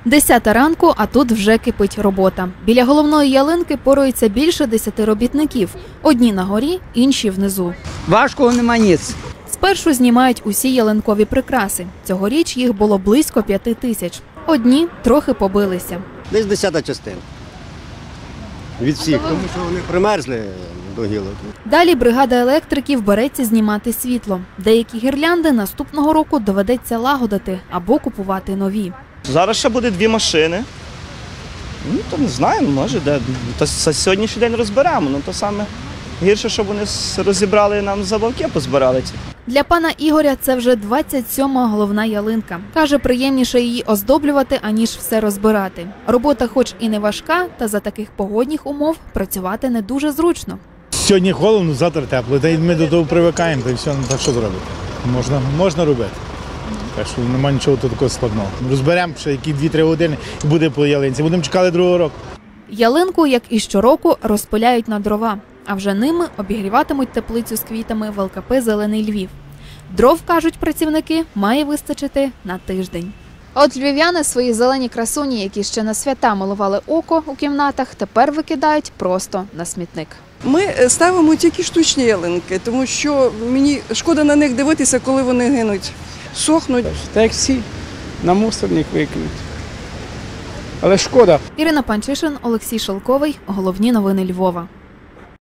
10 ранку, а тут вже кипить робота. Біля головної ялинки порується більше 10 робітників. Одні на горі, інші внизу. Важкого нема ніц. Спершу знімають усі ялинкові прикраси. Цьогоріч їх було близько 5000. Одні трохи побилися. Десь 10 частина. Від всіх, тому що вони примерзли до гілок. Далі бригада електриків береться знімати світло. Деякі гірлянди наступного року доведеться лагодити або купувати нові. Зараз ще буде 2 машини. Ну, то не знаю, може, де. То сьогоднішній день розберемо. Ну, то саме гірше, щоб вони розібрали нам забавки, позбирали ці. Для пана Ігоря це вже 27-ма головна ялинка. Каже, приємніше її оздоблювати, аніж все розбирати. Робота хоч і не важка, та за таких погодних умов працювати не дуже зручно. Сьогодні холодно, завтра тепло, та й ми до того привикаємо, та й все, так що зробити? Можна робити. Так що немає нічого тут такого складного. Розберемо ще які 2-3 години і буде по ялинці. Будемо чекати другого року. Ялинку, як і щороку, розпиляють на дрова, а вже ними обігріватимуть теплицю з квітами в ЛКП «Зелений Львів». Дров, кажуть працівники, має вистачити на тиждень. От львів'яни свої зелені красуні, які ще на свята милували око у кімнатах, тепер викидають просто на смітник. Ми ставимо тільки штучні ялинки, тому що мені шкода на них дивитися, коли вони гинуть, сохнуть. Так як всі, на мусорник викинуть. Але шкода. Ірина Панчишин, Олексій Шелковий. Головні новини Львова.